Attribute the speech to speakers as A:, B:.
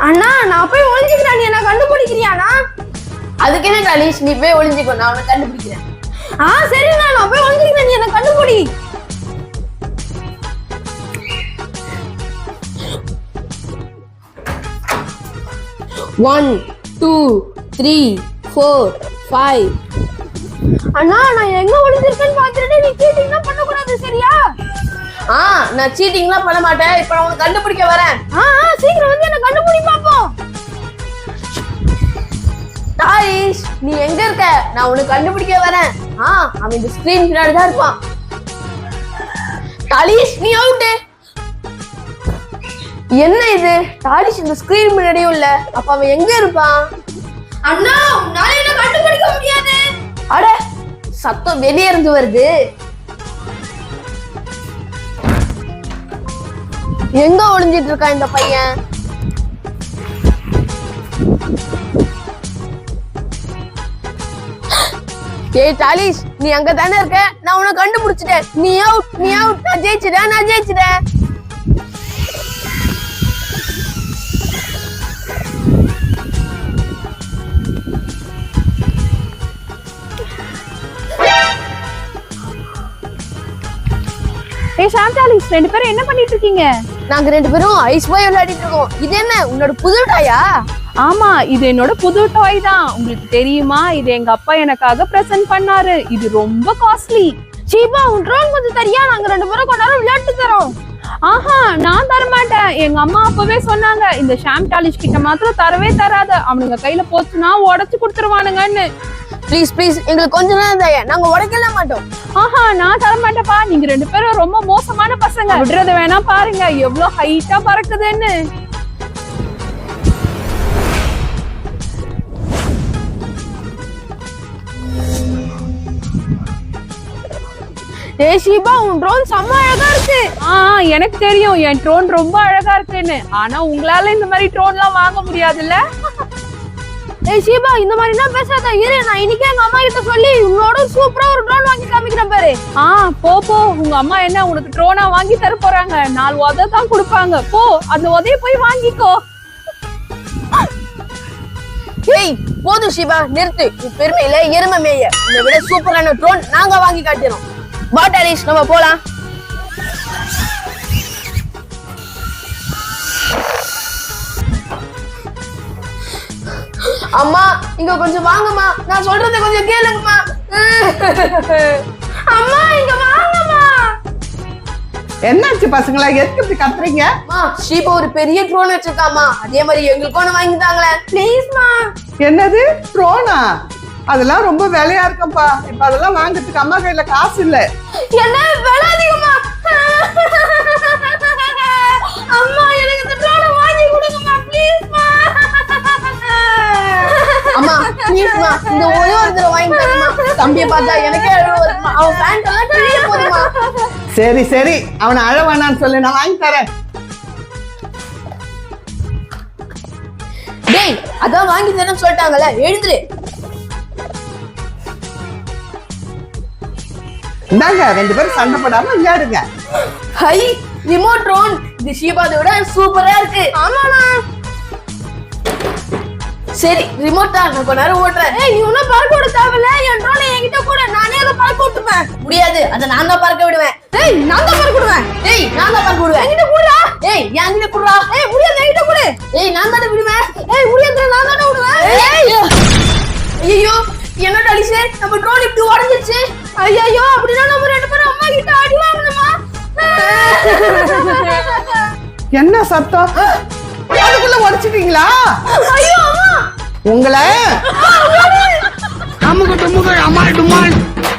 A: அண்ணா நான் போய் ஒளிஞ்சுக்கிறேன், நீ என்ன கண்டுபிடிக்கிறியாண்ணா?
B: அதுக்கு என்ன டாலிஷ், நீ போய் ஒளிஞ்சுக்கோ, நான் உன்னை கண்டுபிடிக்கிறேன்.
A: சரிண்ணா, நான் போய் ஒளிஞ்சுக்கிறேன், நீ என்ன கண்டுபிடி.
B: ஒன் 2 3 4 5.
A: அண்ணா நான் எங்க ஒளிஞ்சிருக்கேன்னு பாத்துட்டு நீ சீட்டிங்லாம் பண்ண கூடாது, சரியா?
B: நான் சீட்டிங்லாம் பண்ண மாட்டேன். இப்ப நான் உன்னை கண்டுபிடிக்க வரேன்.
A: சீக்கிரம் வந்து என்ன கண்டுபிடி பாப்போம்.
B: டாலிஷ், நீ எங்க இருக்க? நான் உன்னை கண்டுபிடிக்க வரேன். அவன் இந்த ஸ்கிரீன் பின்னாடி தான் இருப்பான். டாலிஷ், நீ அவுட். என்ன இது? டாலிஷ் இந்த ஸ்கிரீன் முன்னாடியும் இல்ல. அப்ப அவன் எங்க இருப்பான்?
A: அண்ணா உன்னால என்ன கண்டுபிடிக்க முடியாது.
B: அட, சத்தம் வெளியே இருந்து வருது. எங்க ஒளிஞ்சிட்டு இருக்கான் இந்த பையன்? ஏய் டாலிஷ், நீ அங்க தானே இருக்க? நான் உன்னை கண்டுபிடிச்சிட்டேன். நீ அவுட், நீ அவுட். நான் ஜெயிச்சிட்டேன்.
A: ஏய் ஷாம்டாலிஷ், ரெண்டு பேரும் என்ன பண்ணிட்டு இருக்கீங்க?
B: நாங்க ரெண்டு பேரும் ஐஸ் பாய் விளையாடிட்டு இருக்கோம். இது என்ன, உன்னோட புது டாயா?
C: ஆமா, இது என்னோட புது டாய் தான். உங்களுக்கு தெரியுமா, இது எங்க அப்பா எனக்காக பிரசன்ட் பண்ணாரு. இது ரொம்ப காஸ்ட்லி.
A: சீபா, உன் ட்ரோன் கொஞ்சம் தரியா? நாங்க ரெண்டு பேரும் கொஞ்ச நேரம் விளையாட்டு தரோம்.
C: நான் தர மாட்டேன். எங்க அம்மா அப்பவே சொன்னாங்க, இந்த ஷாம்டாலிஷ் கிட்ட மாத்திரம் தரவே தராத, அவனுங்க கையில போச்சுன்னா உடைச்சு கொடுத்துருவானுங்கன்னு.
B: ப்ளீஸ் எங்களுக்கு கொஞ்ச நேரம் தயா, நாங்க உடைக்கல மாட்டோம்.
C: நான் தர மாட்டேப்பா. நீங்க ரெண்டு பேரும் ரொம்ப மோசமான பசங்க. விடுறது வேணா பாருங்க எவ்வளவு ஹைட்டா பறக்குதுன்னு.
A: ஏய் ஷீபா, உன் ட்ரோன் செம்ம அழகா இருக்கு.
C: எனக்கு தெரியும் என் ட்ரோன் ரொம்ப அழகா இருக்குன்னு. ஆனா உங்களால இந்த மாதிரி ட்ரோன்லாம் வாங்க முடியாதுல்ல.
A: ஏய் ஷீபா, இந்த மாதிரிலாம் பேசாத. இரு, நான் இன்னைக்கே எங்க அம்மா கிட்ட சொல்லி உன்னோட சூப்பரா ஒரு ட்ரோன் வாங்கி காமிக்கிறேன் பாரு.
C: போ. உங்க அம்மா என்ன உனக்கு ட்ரோனா வாங்கி தர போறாங்க? 4 உதை தான் கொடுப்பாங்க. போ, அந்த உதைய போய் வாங்கிக்கோ.
B: ஏய் போதும் ஷீபா, நிறுத்து. உன் பெருமையில எருமை மேய. இதை விட சூப்பரான ட்ரோன் நாங்க வாங்கி காட்டுறோம். வா டாலிஷ், நம்ம போலாம். அம்மா, இங்க கொஞ்சம் வாங்கம்மா. நான் சொல்றதை கொஞ்சம் கேளுங்கம்மா.
A: அம்மா இங்க வாங்கம்மா.
D: என்னாச்சு பசங்களா, எதுக்கு இப்படி கத்துறீங்க?
B: ஷீபா ஒரு பெரிய ட்ரோன் வச்சிருக்காமா, அதே மாதிரி எங்களுக்கு ஒண்ணு வாங்கி தாங்களேன்
A: ப்ளீஸ்மா.
D: என்னது, ட்ரோனா? அதெல்லாம் ரொம்ப விலையா இருக்கும்பா. இப்ப அதெல்லாம் வாங்குறதுக்கு அம்மா கையில காசு இல்ல.
A: என்ன விலை அதிகமா? அம்மா எனக்கு இந்த ட்ரோனை வாங்கி கொடுங்கம்மா, ப்ளீஸ்மா.
B: அம்மா ப்ளீஸ்மா, இந்த ஒரே ஒரு தடவை வாங்கி தரமா. தம்பியை பார்த்தா எனக்கே அழுவ வருமா. அவன் பேண்ட் எல்லாம் கிழிய போதுமா.
D: சரி அவனை அழ வேணான்னு சொல்லு, நான் வாங்கி தரேன்.
B: டேய், அதான் வாங்கி தரேன்னு சொல்லிட்டாங்கல்ல, எழுந்துரு.
D: இந்தாங்க, ரெண்டு பேரும் சண்டை போடாம விளையாடுங்க.
B: Hi, remote drone. இது ஷீபாதை விட சூப்பரா இருக்கு.
A: ஆமாண்ணா.
B: சரி, ரிமோட் தான், நான் கொஞ்ச நேரம் ஓட்டுறேன்.
A: ஏய், நீ ஒன்னும் பறக்க விட தேவையில்ல. என் ட்ரோனை என்கிட்ட கூட, நானே அதை பறக்க விட்டுப்பேன்.
B: முடியாது, அதை நான் தான் பறக்க விடுவேன்.
A: ஏய், நான் தான் பறக்க விடுவேன்.
B: ஏய், நான் தான் பறக்க விடுவேன்.
A: என்கிட்ட கூடா.
B: ஏய், என்கிட்ட குடுறா.
A: ஏய், முடியாது, என்கிட்ட கூட.
B: ஏய், நான் தானே விடுவேன்.
A: ஏய், முடியாது, நான் தானே விடுவேன்.
B: ஐயோ, என்ன டாலிஷ், நம்ம ட்ரோன் இப்படி உடைஞ்சிருச்சு.
A: ஐயோ, அப்படின்னா நம்ம ரெண்டு பேரும் அம்மா கிட்ட அடி வாங்கணுமா?
D: என்ன சத்தம்? அதுக்குள்ள உடைச்சிட்டீங்களா?
A: ஐயோ அம்மா,
D: உங்களை
E: அம்முக்கு டும்முக்கு அம்மா டும்மாள்.